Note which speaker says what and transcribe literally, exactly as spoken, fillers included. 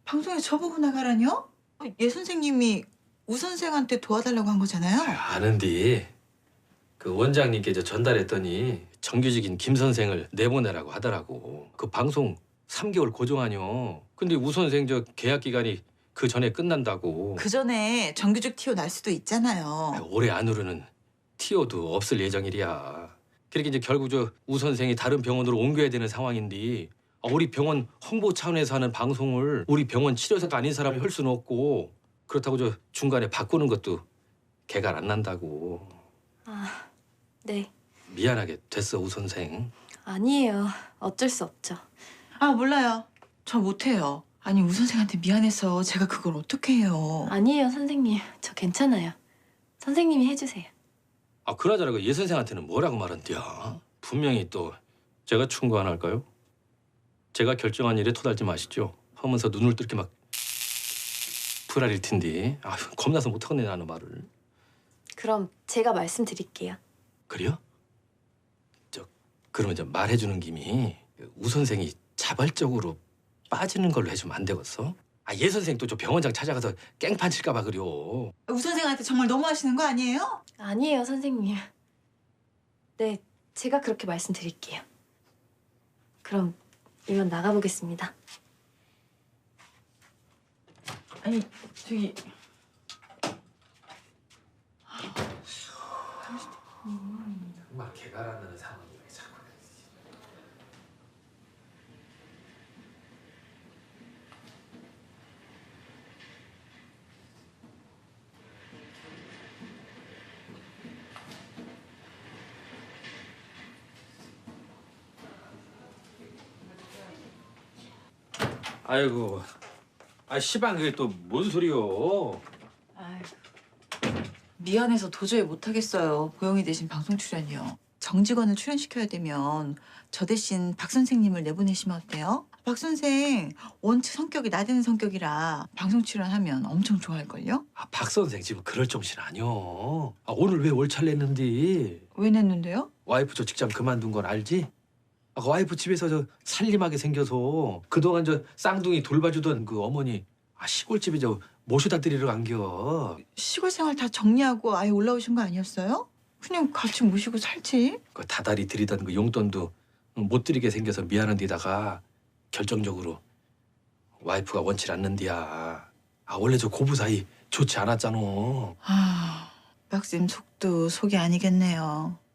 Speaker 1: 방송에 저보고 나가라뇨? 예 선생님이 우 선생한테 도와달라고 한 거잖아요.
Speaker 2: 아는디 그 원장님께 저 전달했더니 정규직인 김 선생을 내보내라고 하더라고. 그 방송 삼 개월 고정하뇨. 근데 우 선생 저 계약 기간이 그 전에 끝난다고.
Speaker 1: 그 전에 정규직 티오 날 수도
Speaker 2: 아,
Speaker 1: 있잖아요.
Speaker 2: 올해 안으로는 티오도 없을 예정이랴. 그렇게 이제 결국 저 우 선생이 다른 병원으로 옮겨야 되는 상황인데 아, 우리 병원 홍보 차원에서 하는 방송을 우리 병원 치료사가 아닌 사람이 할 수는 없고 그렇다고 저 중간에 바꾸는 것도 개가 안 난다고.
Speaker 3: 아, 네.
Speaker 2: 미안하게 됐어 우 선생.
Speaker 3: 아니에요. 어쩔 수 없죠.
Speaker 1: 아 몰라요. 저 못해요. 아니 우 선생한테 미안해서 제가 그걸 어떻게 해요.
Speaker 3: 아니에요, 선생님. 저 괜찮아요. 선생님이 해주세요.
Speaker 2: 아 그나저나 그 예 선생한테는 뭐라고 말한디야? 분명히 또 제가 충고 안 할까요? 제가 결정한 일에 토달지 마시죠. 하면서 눈을 뚫게 막 불알일 텐데. 아 겁나서 못하겠네 나는 말을.
Speaker 3: 그럼 제가 말씀드릴게요.
Speaker 2: 그래요? 저 그러면 이제 말해주는 김이 우 선생이 자발적으로 빠지는 걸로 해주면 안 되겠어? 아 예 선생 또 저 병원장 찾아가서 깽판 칠까 봐 그래요.
Speaker 1: 우 선생한테 정말 너무하시는 거 아니에요?
Speaker 3: 아니에요, 선생님. 네, 제가 그렇게 말씀드릴게요. 그럼 이만 나가보겠습니다.
Speaker 1: 아니 저기
Speaker 2: 정말 개가 안 나는 상황이 왜 자꾸. 아이고, 아 시방 그게 또 뭔 소리요?
Speaker 1: 아유, 미안해서 도저히 못하겠어요. 보영이 대신 방송 출연이요. 정직원을 출연시켜야 되면 저 대신 박 선생님을 내보내시면 어때요? 박 선생 원체 성격이 나대는 성격이라 방송 출연하면 엄청 좋아할걸요?
Speaker 2: 아, 박 선생 지금 그럴 정신 아니요. 아, 오늘 왜 월차를 냈는데?
Speaker 1: 왜 냈는데요?
Speaker 2: 와이프 저 직장 그만둔 건 알지? 아, 그 와이프 집에서 저 살림하게 생겨서 그동안 저 쌍둥이 돌봐주던 그 어머니 아, 시골집에 저 모셔다 드리러 간겨.
Speaker 1: 시골 생활 다 정리하고 아예 올라오신 거 아니었어요? 그냥 같이 모시고 살지.
Speaker 2: 그 다달이 드리던 그 용돈도 못 드리게 생겨서 미안한 데다가 결정적으로 와이프가 원치 않는디야. 아 원래 저 고부 사이 좋지 않았잖아.
Speaker 1: 아, 박쌤 속도 속이 아니겠네요.